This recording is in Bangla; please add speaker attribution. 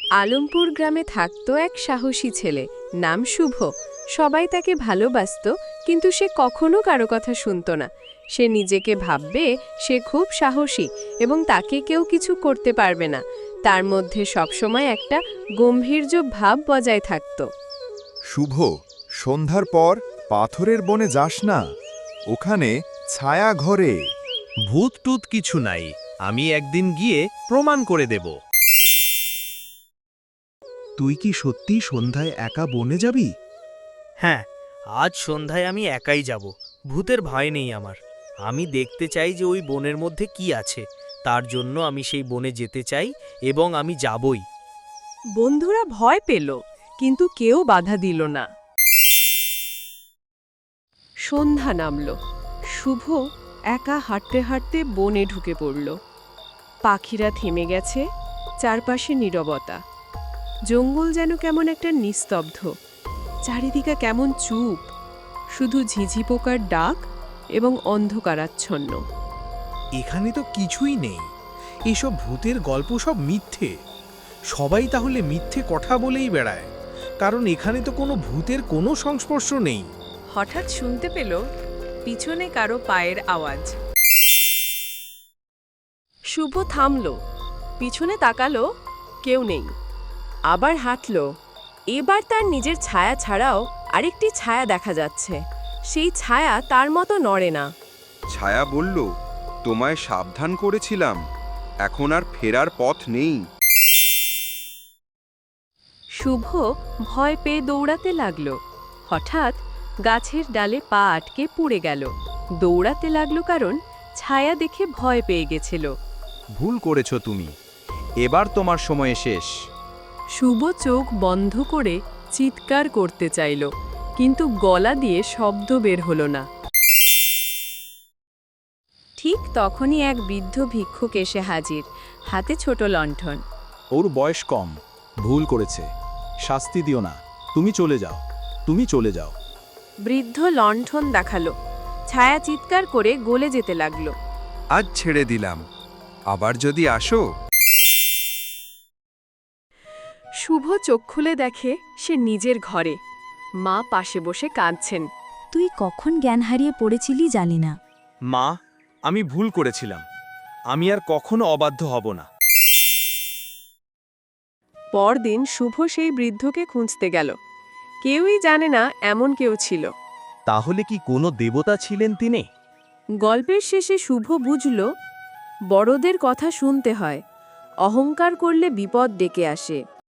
Speaker 1: আলমপুর গ্রামে থাকতো এক সাহসী ছেলে, নাম শুভ। সবাই তাকে ভালোবাসতো, কিন্তু সে কখনো কারো কথা শুনত না। সে নিজেকে ভাববে সে খুব সাহসী এবং তাকে কেউ কিছু করতে পারবে না। তার মধ্যে সবসময় একটা গম্ভীর্য ভাব বজায় থাকত।
Speaker 2: শুভ, সন্ধ্যার পর পাথরের বনে যাস না, ওখানে ছায়া ঘরে।
Speaker 3: ভূত টুত কিছু নাই, আমি একদিন গিয়ে প্রমাণ করে দেব।
Speaker 4: তুই কি সত্যি সন্ধ্যায় একা বনে যাবি?
Speaker 5: হ্যাঁ, আজ সন্ধ্যায় আমি একাই যাব। ভূতের ভয় নেই আমার। আমি দেখতে চাই যে ওই বনের মধ্যে কি আছে। তার জন্য আমি সেই বনে যেতে চাই এবং আমি যাবই।
Speaker 1: বন্ধুরা ভয় পেল, কিন্তু কেউ বাধা দিল না। সন্ধ্যা নামল। শুভ একা হাঁটতে হাঁটতে বনে ঢুকে পড়ল। পাখিরা থেমে গেছে, চারপাশে নীরবতা। জঙ্গল যেন কেমন একটা নিস্তব্ধ, চারিদিকে কেমন চুপ, শুধু ঝিঝি পোকার ডাক এবং অন্ধকারাচ্ছন্ন।
Speaker 4: এখানে তো কিছুই নেই। এসব ভূতের গল্প সব মিথ্যে। সবাই তাহলে মিথ্যে কথা বলেই বেড়ায়, কারণ এখানে তো কোনো ভূতের কোনো সংস্পর্শ নেই।
Speaker 1: হঠাৎ শুনতে পেল পিছনে কারো পায়ের আওয়াজ। শুভ থামল, পিছনে তাকালো, কেউ নেই। আবার হাঁটল। এবার তার নিজের ছায়া ছাড়াও আরেকটি ছায়া দেখা যাচ্ছে। সেই ছায়া তার মতো নড়ে না।
Speaker 6: ছায়া বলল, তোমায় সাবধান করেছিলাম, এখন আর ফেরার পথ নেই।
Speaker 1: শুভ ভয় পেয়ে দৌড়াতে লাগলো। হঠাৎ গাছের ডালে পা আটকে পুড়ে গেল। দৌড়াতে লাগলো কারণ ছায়া দেখে ভয় পেয়ে গেছিল।
Speaker 3: ভুল করেছ তুমি, এবার তোমার সময় শেষ।
Speaker 1: শুভ চোখ বন্ধ করে চিৎকার করতে চাইল, কিন্তু গলা দিয়ে শব্দ বের হলো না। ঠিক তখনই এক বৃদ্ধ ভিক্ষুক এসে হাজির, হাতে ছোট লণ্ঠন।
Speaker 7: ওর বয়স কম, ভুল করেছে, শাস্তি দিও না, তুমি চলে যাও, তুমি চলে যাও।
Speaker 1: বৃদ্ধ লণ্ঠন দেখালো। ছায়া চিৎকার করে গলে যেতে লাগলো।
Speaker 6: আজ ছেড়ে দিলাম, আবার যদি আসো।
Speaker 1: শুভ চোখ খুলে দেখে সে নিজের ঘরে। মা পাশে বসে কাঁদছেন।
Speaker 8: তুই কখন জ্ঞান হারিয়ে পড়েছিলি জানি না।
Speaker 3: মা, আমি ভুল করেছিলাম, আমি আর কখনো অবাধ্য হব না।
Speaker 1: পরদিন শুভ সেই বৃদ্ধকে খুঁজতে গেল। কেউই জানে না এমন কেউ ছিল।
Speaker 3: তাহলে কি কোনো দেবতা ছিলেন তিনি?
Speaker 1: গল্পের শেষে শুভ বুঝল, বড়দের কথা শুনতে হয়, অহংকার করলে বিপদ ডেকে আসে।